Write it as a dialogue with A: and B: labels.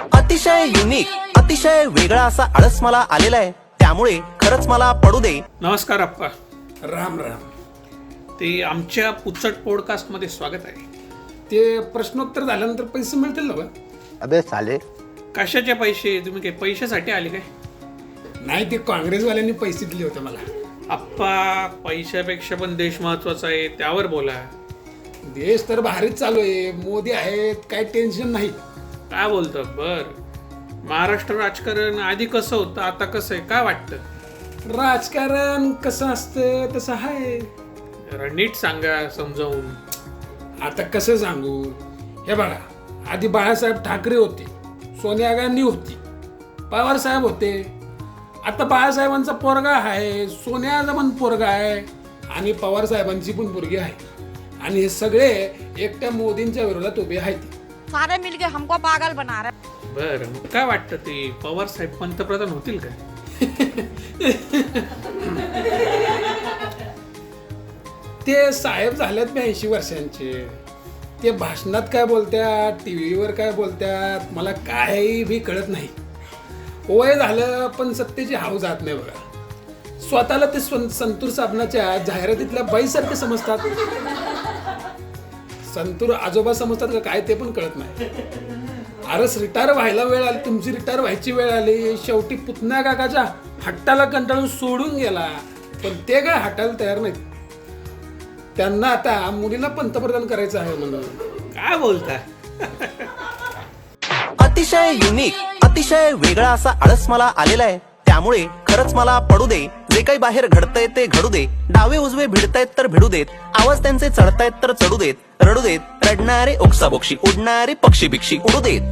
A: अतिशय युनिक, अतिशय वेगळा असा आळस मला आलेला आहे, त्यामुळे खरंच मला पडू दे.
B: नमस्कार अप्पा.
C: राम राम.
B: ते आमच्या पुचट पॉडकास्ट मध्ये स्वागत आहे.
C: ते प्रश्नोत्तर झाल्यानंतर पैसे मिळतील ना बा?
A: अबे साले,
B: कशाचे पैसे? तुम्ही काही पैशासाठी आले काय?
C: नाही, ते काँग्रेसवाल्यांनी पैसे दिले होते मला.
B: अप्पा, पैशापेक्षा पण देश महत्वाचा आहे, त्यावर बोला.
C: देश तर भारीच चालू आहे, मोदी आहेत, काय टेन्शन नाही.
B: काय बोलतो? बर, महाराष्ट्र राजकारण आधी कसं होतं, आता कसं आहे, काय वाटतं?
C: राजकारण कसं असतं तसं आहे.
B: जरा नीट सांगा समजावून.
C: आता कसं सांगू? हे बघा, आधी बाळासाहेब ठाकरे होते, सोनिया गांधी होती, पवार साहेब होते. आता बाळासाहेबांचा पोरगा आहे, सोनियाचा पण पोरगा आहे आणि पवार साहेबांची पण पोरगी आहे. आणि हे सगळे एकट्या मोदींच्या विरोधात उभे आहेत.
D: सारे मिलके हमको पागल बना रहे.
B: बर, मग काय वाटतं, ते पवार साहेब पंतप्रधान होतील काय?
C: ते साहेब झालेत 82 वर्षांचे. ते भाषणात काय बोलतात, टीव्हीवर काय बोलतात, मला काही बी कळत नाही. वय झालं पण सत्तेची हाव जात नाही बघा. स्वतःला ते संतूर साबणाच्या जाहिरातीतल्या बाईसारखे समजतात. संतूर आजोबा समजतात का काय ते पण कळत नाही. अरस रिटायर व्हायला वेळ आली, तुमची रिटायर व्हायची वेळ आली. शेवटी पुतण्या काकाच्या हट्टाला कंटाळून सोडून गेला, पण ते काय हटायला तयार नाहीत. त्यांना आता मुलीला पंतप्रधान करायचं आहे म्हणून.
B: काय बोलता?
A: अतिशय युनिक, अतिशय वेगळा असा आळस मला आलेला आहे, त्यामुळे खरंच मला पडू दे. जे काही बाहेर घडतंय ते घडू दे. डावे उजवे भिडतायत तर भिडू देत. आवाज त्यांचे चढतायत तर चढू देत. रडू देत. रडणारे ओक्साबोक्षी, उडणारे पक्षी भिक्षी उडू देत.